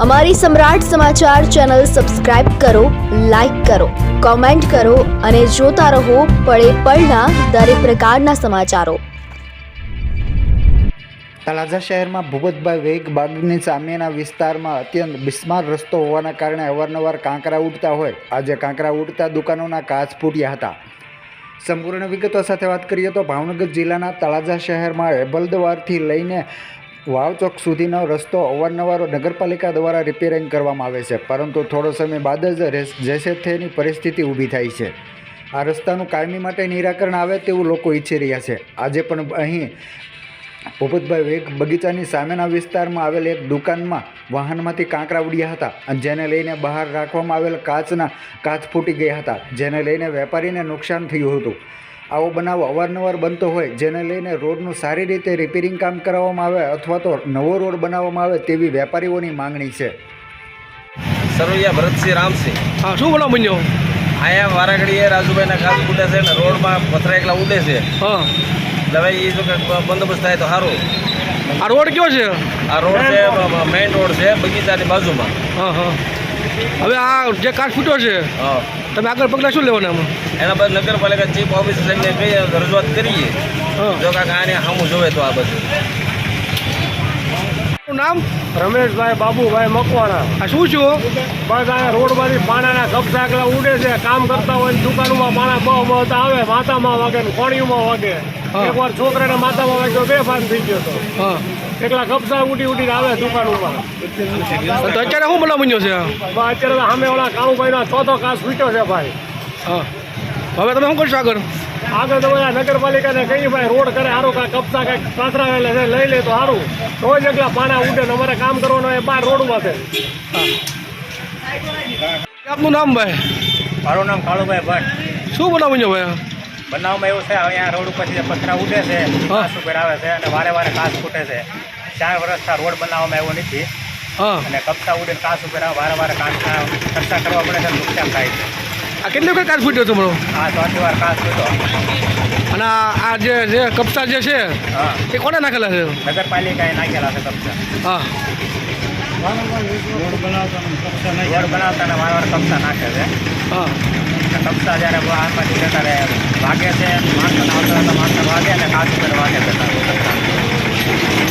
અમારી Samrat Samachar channel subscribe કરો, like કરો, કોમેન્ટ કરો અને જોતા રહો પળે પળના દરેક પ્રકારના સમાચારો। તળાજા શહેરમાં ભૂપતભાઈ વેગ બાગની સામેના વિસ્તારમાં અત્યંત બિસ્માર રસ્તો હોવાના કારણે અવારનવાર કાંકરા ઉડતા હોય આજે કાંકરા ઉડતા દુકાનોના કાચ ફૂટ્યા હતા। સંપૂર્ણ વિગતો સાથે વાત કરીએ તો ભાવનગર જિલ્લાના તળાજા શહેરમાં એબલદવારથી લઈને વાવ ચોક સુધીનો રસ્તો અવારનવાર નગરપાલિકા દ્વારા રિપેરિંગ કરવામાં આવે છે, પરંતુ થોડો સમય બાદ જ જેસે થેની પરિસ્થિતિ ઊભી થાય છે। આ રસ્તાનું કાયમી માટે નિરાકરણ આવે તેવું લોકો ઈચ્છી રહ્યા છે। આજે પણ અહીં ભૂપતભાઈ વેગ બગીચાની સામેના વિસ્તારમાં આવેલ એક દુકાનમાં વાહનમાંથી કાંકરા ઉડ્યા હતા, જેને લઈને બહાર રાખવામાં આવેલ કાચ ફૂટી ગયા હતા, જેને લઈને વેપારીને નુકસાન થયું હતું। આવો બનાવ અવારનવાર બનતો હોય, જેને લઈને રોડનું સારી રીતે રિપેરિંગ કામ કરાવવામાં આવે અથવા તો નવો રોડ બનાવવામાં આવે તેવી વેપારીઓની માંગણી છે। સરવૈયા ભરતસિંહ રામસિંહ। હા, શું બનાવ બન્યો? અહીંયા વારાઘડીએ રાજુભાઈના કાચ ફૂટે છે ને રોડમાં પથરા એકલા ઉડે છે। હા, હવે એ જો કે બંદોબસ્ત થાય તો સારું। આ રોડ કયો છે? આ રોડ છે મેઇન રોડ છે બગીચાની બાજુમાં। હા હા, હવે આ જે કાચ ફૂટ્યો છે હા, તમે આગળ પગલાં શું લેવાના આમાં? એના બાદ નગરપાલિકા ચીફ ઓફિસરને કહીએ રજૂઆત કરીએ, હા, જો કાંઈક આને સામું જોવે તો આ બધું। શું નામ? રમેશભાઈ બાબુભાઈ મકવાણા। આ શું છું? બસ આ રોડમાંથી પાણાના કપસા એકલા ઉડે છે, કામ કરતા હોય દુકાનોમાં પાણા બહુ આવે, માથામાં વાગે ને કોણીઓમાં વાગે। હા. એકવાર છોકરાને માથામાં વાગ્યો, બેભાન થઈ ગયો હતો। હા, એકલા કપસા ઉડીને આવે દુકાનોમાં। તો અત્યારે શું બનાવ બન્યો છે? બસ અત્યારે તો સામે ઓલા કાળુભાઈનો ચોથો કાચ ફૂટ્યો છે ભાઈ। હા, હવે તમે શું કરશો આગળ? આગળ તો બધા નગરપાલિકાને કહીએ ભાઈ રોડ કરે સારું, કાંઈ કપસા કાંઈક કાતરાવેલા છે લઈ લે તો સારું। રોજ એકલા પાણા ઉડે ને અમારે કામ કરવાનું હોય બહાર રોડમાં છે। આપનું નામ ભાઈ? મારું નામ કાળુભાઈ ભટ્ટ। શું બનાવ બન્યો ભાઈ? બનાવમાં એવું છે, અહીંયા રોડ ઉપરથી જે પથરા ઉડે છે, કાચ ઉપર આવે છે અને વારે વારે કાચ ફૂટે છે। 4 વર્ષથી રોડ બનાવવામાં આવ્યો નથી હા, અને કપસા ઉડે કાચ ઉપર આવે, વારે વારે કાચના ખર્ચા કરવા પડે છે, નુકસાન થાય છે। આ કેટલી વખત કાચ ફૂટ્યો તમારો? આ 4 વાર કાચ ફૂટો। અને આ જે કપસા જે છે હા, એ કોને નાખેલા છે? નગરપાલિકાએ નાખેલા છે કપસા। હા, રોડ બનાવતા ને વારે વારે કપસા નાખે છે। હા, અને કપસા જ્યારે હાથમાંથી જતા રહે વાગે છે, માણસોને આવતા માણસો વાગે અને કાચ ઉપર વાગે છે।